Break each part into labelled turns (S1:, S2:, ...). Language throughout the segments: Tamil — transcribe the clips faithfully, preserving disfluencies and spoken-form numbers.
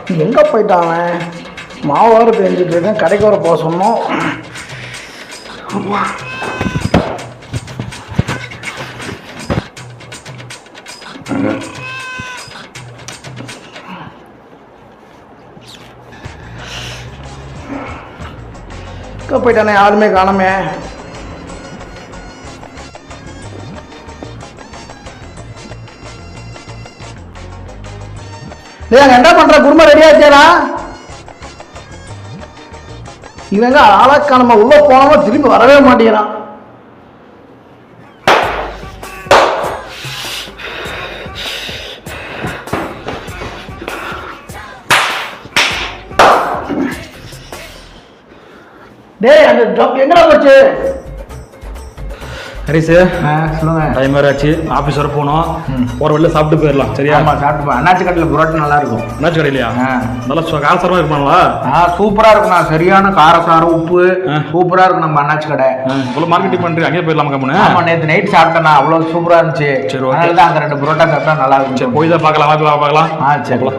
S1: எங்கே போயிட்டான் மாவு வர பெஞ்சிட்டு இருக்கேன், கடைக்கு வர போக சொன்னோம். எங்கே போயிட்டானே, யாருமே காணமே. டேய் என்ன பண்ற, குருமா ரெடி ஆச்சேடா? இவங்க ஆளாக்கா நம்ம உள்ள போனோமா திரும்பி வரவே மாட்டேங்கிறான். டேய் அந்த ஜப் எங்கடா போச்சு?
S2: ஹரிசு
S1: சொல்லுங்க.
S2: டைம் வேறு ஆச்சு, ஆஃபீஸ் வர போகணும். ஒரு வெளில சாப்பிட்டு போயிடலாம் சரியா?
S1: ஆமாம் சாப்பிட்டு. அண்ணாச்சி கடையில் புரோட்டா நல்லா இருக்கும்.
S2: அண்ணாச்சி கடையிலையா? நல்லா காரசாரமாக இருப்பாங்களா?
S1: ஆ சூப்பராக இருக்குண்ணா, சரியான காரசாரம் உப்பு சூப்பராக இருக்கும் நம்ம அண்ணாச்சி கடை.
S2: இவ்வளோ மார்க்கெட்டிங் பண்ணுறீங்க, அங்கேயே போயிடலாம் கம்முன்னு.
S1: ஆமாம் நேற்று நைட் சாப்பிட்டேண்ணா, அவ்வளோ சூப்பராக இருந்துச்சு.
S2: சரி ஓகே,
S1: தான் அங்கே ரெண்டு புரோட்டா சாப்பிட்டா நல்லா இருக்கும்.
S2: சரி போய் தான் பார்க்கலாம், வாப்பி வா பார்க்கலாம்.
S1: ஆ சரி.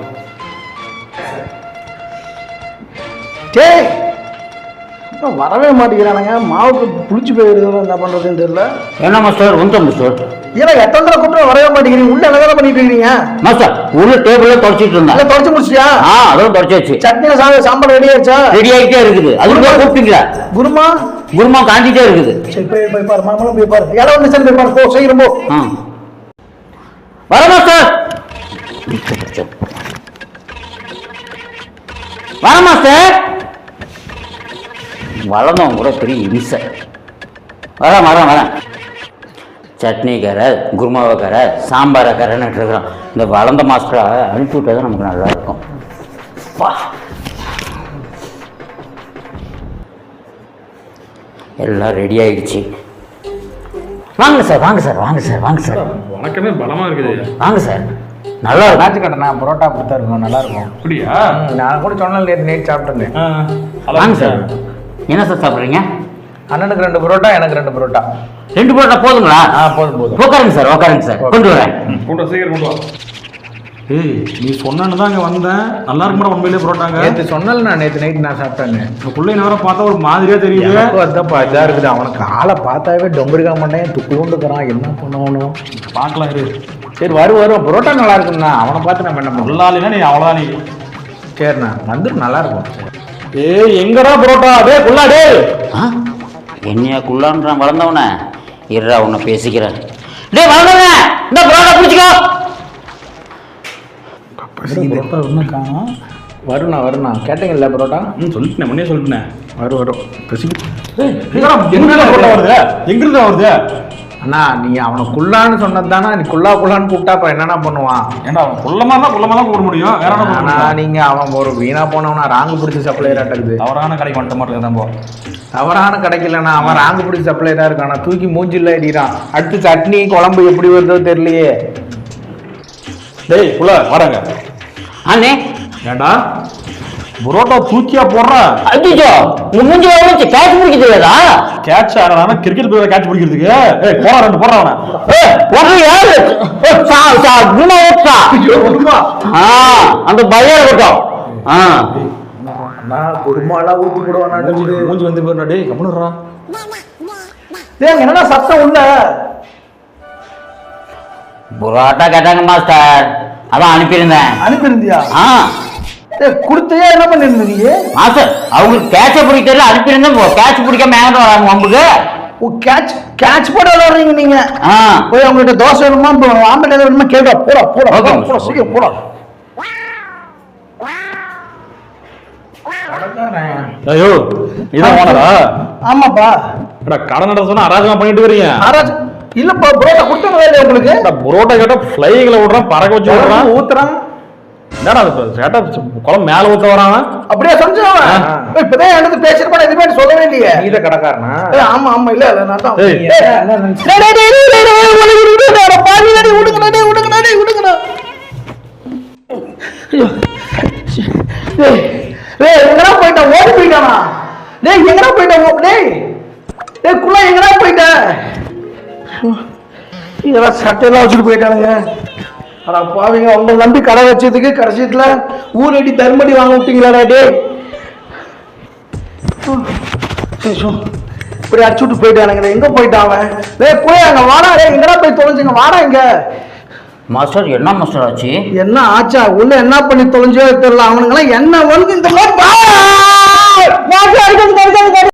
S1: சரி வரவே மாட்டேங்கிறானுங்க, மாவுக்கு புளிச்சு போயிருக்கிறோம், என்ன பண்ணுறதுன்னு தெரியல.
S3: என்ன மாஸ்டர் வந்துட்டோம் மாஸ்டர்.
S1: ஏன்னா எத்தனை தடவை கூப்பிட்டு வரவே மாட்டேங்கிறீங்க, உள்ள என்ன பண்ணிட்டு இருக்கீங்க
S3: மாஸ்டர்? உள்ள டேபிள்ல தொடச்சிட்டு இருந்தா.
S1: தொடச்சு முடிச்சியா? ஆ
S3: அதுவும் தொடச்சாச்சு.
S1: சட்னி சாதம் சாம்பார் ரெடி ஆயிடுச்சா?
S3: ரெடி ஆகிட்டே இருக்குது. அதுக்கு கூப்பிட்டீங்களா?
S1: குருமா
S3: குருமா காஞ்சிட்டே இருக்குது.
S1: சரி போய் போய் பாரு, மாமலும் போய் பாரு, இடம் வந்து போய் பாரு, போ சீக்கிரம் போ.
S3: வர மாஸ்டர், வர மாஸ்டர். வளர்ந்தவங்க கூட பெரிய இம்சை. வரேன் வரேன் வரேன். சட்னி கரை, குருமாவை கரை, சாம்பாரை கரைன்னு இருக்கிறோம். இந்த வளர்ந்த மாஸ்டரை அனுப்பி விட்டால் தான் நமக்கு நல்லா இருக்கும். எல்லாம் ரெடி ஆயிடுச்சு. வாங்க சார் வாங்க சார் வாங்க சார் வாங்க சார்.
S2: வணக்கமே பலமா இருக்குது.
S3: வாங்க சார். நல்லா இருக்கும்.
S1: நாச்சு கட்டணா புரோட்டா கொடுத்தா இருக்கும், நல்லா இருக்கும்.
S2: அப்படியா?
S1: நான் கூட சொன்னேன் நேற்று நைட் சாப்பிட்டேன்.
S3: வாங்க சார். என்ன சார் சாப்பிட்றீங்க?
S1: அண்ணனுக்கு ரெண்டு புரோட்டா, எனக்கு ரெண்டு புரோட்டா.
S3: ரெண்டு புரோட்டா போதுங்களா?
S1: ஆ போதும் போதும்.
S3: உட்காருங்க சார் உட்காருங்க சார், கொண்டு வரேன்.
S2: கொண்டு வா சீக்கிரம் கொண்டு வா. ஏய் நீ சொன்னான்னு தான் அங்கே வந்தேன், நல்லா இருக்குமா உண்மையிலே புரோட்டாங்க?
S1: நேற்று சொன்னல, நான் நேற்று நைட் நான் சாப்பிட்டேங்க.
S2: இப்போ பிள்ளை நேரம் பார்த்தா ஒரு மாதிரியா தெரியுது.
S1: அதான்ப்பா இதாக இருக்குது, அவனுக்கு ஆளை பார்த்தாவே டொம்பருக்கா மாட்டேன், துக்குண்டுக்கிறான், என்ன பண்ணணும்
S2: பார்க்கலாம் இரு.
S1: சரி வரும் வரும், புரோட்டா நல்லா இருக்குண்ணா, அவனை பார்த்து நம்ம என்ன பண்ணலாம்.
S2: நல்லாலினா நீ அவ்வளோதான். நீ
S1: சரிண்ணா வந்துட்டு நல்லா இருக்கும்.
S2: ஏய் எங்கடா புரோட்டா? டே குள்ளா டே.
S3: என்னையா குள்ளான்றான் வளர்ந்தவன? இருடா உன்னை பேசிக்கிறேன். டே வளர்ந்தவன, இந்த புரோட்டா பிடிச்சிக்கோ.
S1: புரோட்டா ஒன்றும் காணும். வருண்ணா வருண்ணா, கேட்டீங்கல்ல புரோட்டா?
S2: ம் சொல்லிட்டேன், முன்னே சொல்லிட்டேன்.
S1: வரும் வரும் பசிக்கு.
S2: எங்கிருந்து புரோட்டா வருது? எங்கிருந்து வருது?
S1: அண்ணா நீ அவனை குள்ளான்னு சொன்னது தானே, நீ குள்ளா குள்ளான்னு கூப்பிட்டா அப்புறம் என்னென்ன பண்ணுவான்?
S2: ஏன்னா அவன் குள்ளமா தான் குள்ளமா தான் போட முடியும், வேற என்ன பண்ண முடியும்?
S1: நீங்க அவன் ஒரு வீணா போனவனா ராங்கு பிடிச்ச சப்ளையர் ஆட்டக்குது.
S2: தவறான கடைக்கு வந்துட்ட மாட்டேன் தான் போ.
S1: தவறான கிடைக்கலண்ணா, அவன் ராங்கு பிடிச்ச சப்ளையரா இருக்கானா, தூக்கி மூஞ்சில் அடிக்கிறான். அடுத்து சட்னி குழம்பு எப்படி வருதோ தெரியலையே.
S2: டேய் புள்ள வாடங்க.
S3: அண்ணே
S2: ஏண்டா புரோட்டா தூக்கியா போடுற?
S3: அடிச்சோ உங்க மூஞ்சி வச்சு கேட்ச் பிடிக்க தெரியாதா?
S2: கேட்ச் ஆடுறானா? கிரிக்கெட் பிளேயர் கேட்ச் பிடிக்கிறதுக்கு. ஏய் போடா ரெண்டு போடா அவனை.
S3: ஏய் ஒண்ணு யாரு? சா சா குமா ஓட்சா. ஆ அந்த பையன் இருக்கட்டும். ஆ
S1: நான் குருமாலாம் ஊத்தி போடுவானா?
S2: மூஞ்சி வந்து போறா. டேய் கம்முனுறா.
S1: டேய் என்னடா சத்தம் உள்ள?
S3: புரோட்டா கேட்டாங்க மாஸ்டர், அதான் அனுப்பியிருந்தேன்.
S1: அனுப்பியிருந்தியா?
S3: ஆ
S1: கொடுத்தையா, என்ன பண்ணிருந்தீங்க
S3: மாஸ்டர்? அவங்களுக்கு கேட்ச பிடிக்கிறதுல அனுப்பியிருந்தேன். கேட்ச் பிடிக்காம ஏங்கிட்டு வராங்க வம்புக்கு.
S1: ஓ கேட்ச் கேட்ச் போட விளையாடுறீங்க நீங்க?
S3: ஆ
S1: போய் அவங்ககிட்ட தோசை வேணுமா ஆம்பளை ஏதாவது வேணுமா கேட்டா போடா போடா போடா சீக்கிரம் போடா.
S2: ஐயோ இதான் ஓனரா?
S1: ஆமாப்பா.
S2: எடா கடை நட சொன்னா அராஜகமா பண்ணிட்டு வரீங்க.
S1: அராஜ் இல்லப்பா, புரோட்டா கொடுத்தா இல்லையா உங்களுக்கு?
S2: புரோட்டா கேட்டா ஃப்ளைகளை விடுறான், பறக்க வச்சு விடுறான்,
S1: ஊத்துறான்.
S2: என்னடா அது கேட்டா குழம்பு மேல ஊத்த வரான்.
S1: அப்படியே சொன்னான். இப்பதான் எனக்கு பேசிருப்பான், எதுவுமே சொல்லவே இல்லையே. நீ தான் கடைக்காரனா? ஆமா ஆமா. இல்ல இல்ல நான் தான். எங்கடா போயிட்ட? ஓடி போயிட்டானா? டேய் எங்கடா போயிட்ட? டேய் டேய் குள்ள எங்கடா போயிட்ட? இதெல்லாம் சட்டையெல்லாம் வச்சுட்டு போயிட்டானுங்க. அட பாவிங்க, உங்களை நம்பி கடை வச்சதுக்கு கடைசியத்துல ஊரடி தர்மடி வாங்க விட்டீங்களாடா டே. இப்படி அடிச்சு விட்டு போயிட்டானுங்க. எங்க போயிட்டான் அவன்? டேய் போய் அங்க வாடா. டேய் எங்கடா போய் தொலைஞ்சுங்க? வாடா இங்க.
S3: மாஸ்டர் என்ன மாஸ்டர் ஆச்சு?
S1: என்ன ஆச்சா? உள்ள என்ன பண்ணி தொலைஞ்சோ தெரியல. அவனுங்களாம் என்ன வந்து இந்த மாதிரி